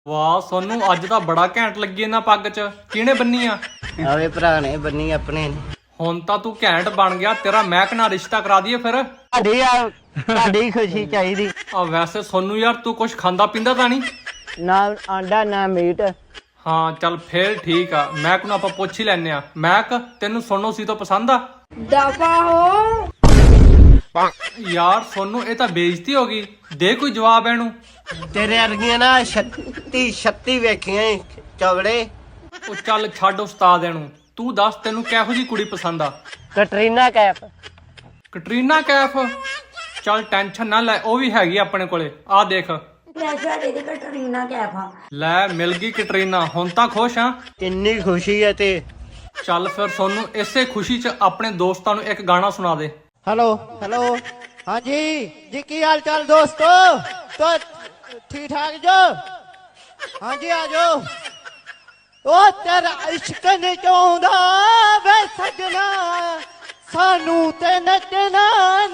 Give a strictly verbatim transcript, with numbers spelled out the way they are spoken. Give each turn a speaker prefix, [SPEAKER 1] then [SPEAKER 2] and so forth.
[SPEAKER 1] ਵਾਹ ਸੋਨੂੰ ਅੱਜ ਤਾਂ ਬੜਾ ਘੈਂਟ ਲੱਗੀ ਇਹਨਾਂ ਪੱਗ 'ਚ ਕਿਹਨੇ ਬੰਨੀ ਆ?
[SPEAKER 2] ਆਵੇ ਭਰਾ ਨੇ ਬੰਨੀ ਆਪਣੇ ਨੇ।
[SPEAKER 1] ਹੁਣ ਤਾਂ ਤੂੰ ਘੈਂਟ ਬਣ ਗਿਆ, ਤੇਰਾ ਮਹਿਕ ਨਾਲ ਰਿਸ਼ਤਾ ਕਰਾ ਦਈਏ ਫਿਰ।
[SPEAKER 2] ਤੁਹਾਡੀ ਆ ਤੁਹਾਡੀ ਖੁਸ਼ੀ ਚਾਹੀਦੀ।
[SPEAKER 1] ਆ ਵੈਸੇ ਸੋਨੂੰ ਯਾਰ ਤੂੰ ਕੁਝ ਖਾਂਦਾ ਪੀਂਦਾ ਤਾਂ ਨਹੀਂ?
[SPEAKER 2] ਨਾ ਆਂਡਾ ਨਾ ਮੀਟ।
[SPEAKER 1] ਹਾਂ ਚੱਲ ਫੇਰ ਠੀਕ ਆ, ਮਹਿਕ ਨੂੰ ਆਪਾਂ ਪੁੱਛ ਹੀ ਲੈਨੇ ਆ। ਮਹਿਕ ਤੈਨੂੰ ਸੋਨੋ ਸੀ ਤੋਂ ਪਸੰਦ ਆ?
[SPEAKER 3] ਦਫਾ ਹੋ।
[SPEAKER 1] ਯਾਰ ਸੋਨੂੰ ਇਹ ਤਾਂ ਬੇਇੱਜ਼ਤੀ ਹੋ ਗਈ, ਦੇ ਕੋਈ ਜਵਾਬ ਇਹਨੂੰ।
[SPEAKER 2] ਤੇਰੇ ਵਰਗੀਆਂ ਨਾ ਛੱਤੀ ਛੱਤੀ ਵੇਖੀਆਂ ਈ ਚੌੜੇ।
[SPEAKER 1] ਉਹ ਚੱਲ ਛੱਡ ਉਸਤਾਦ ਇਹਨੂੰ, ਤੂੰ ਦੱਸ ਤੈਨੂੰ ਕਿਹੋ ਜੀ ਕੁੜੀ ਪਸੰਦ ਆ?
[SPEAKER 2] ਕਟਰੀਨਾ ਕੈਫ।
[SPEAKER 1] ਕਟਰੀਨਾ ਕੈਫ? ਚੱਲ ਟੈਨਸ਼ਨ ਨਾ ਲੈ, ਉਹ ਵੀ ਹੈਗੀ ਆਪਣੇ ਕੋਲੇ, ਆ ਦੇਖ।
[SPEAKER 3] ਸਾਡੇ ਦੀ ਕਟਰੀਨਾ ਕੈਫ ਆ।
[SPEAKER 1] ਲੈ ਮਿਲ ਗਈ ਕਟਰੀਨਾ, ਹੁਣ ਤਾਂ ਖੁਸ਼ ਆ?
[SPEAKER 2] ਕਿੰਨੀ ਖੁਸ਼ੀ ਹੈ ਤੇ।
[SPEAKER 1] ਚੱਲ ਫਿਰ ਸੋਨੂੰ ਇਸੇ ਖੁਸ਼ੀ 'ਚ ਆਪਣੇ ਦੋਸਤਾਂ ਨੂੰ ਇੱਕ ਗਾਣਾ ਸੁਣਾ ਦੇ।
[SPEAKER 2] ਹੈਲੋ ਹੈਲੋ ਹਾਂਜੀ ਜੀ, ਕੀ ਹਾਲ ਚਾਲ ਦੋਸਤੋ? तो ठीक ठाक जो? हाँ जी आ जाओ। ओ तेरा इश्क नहीं चाहता वे सजना, सानू ते नचना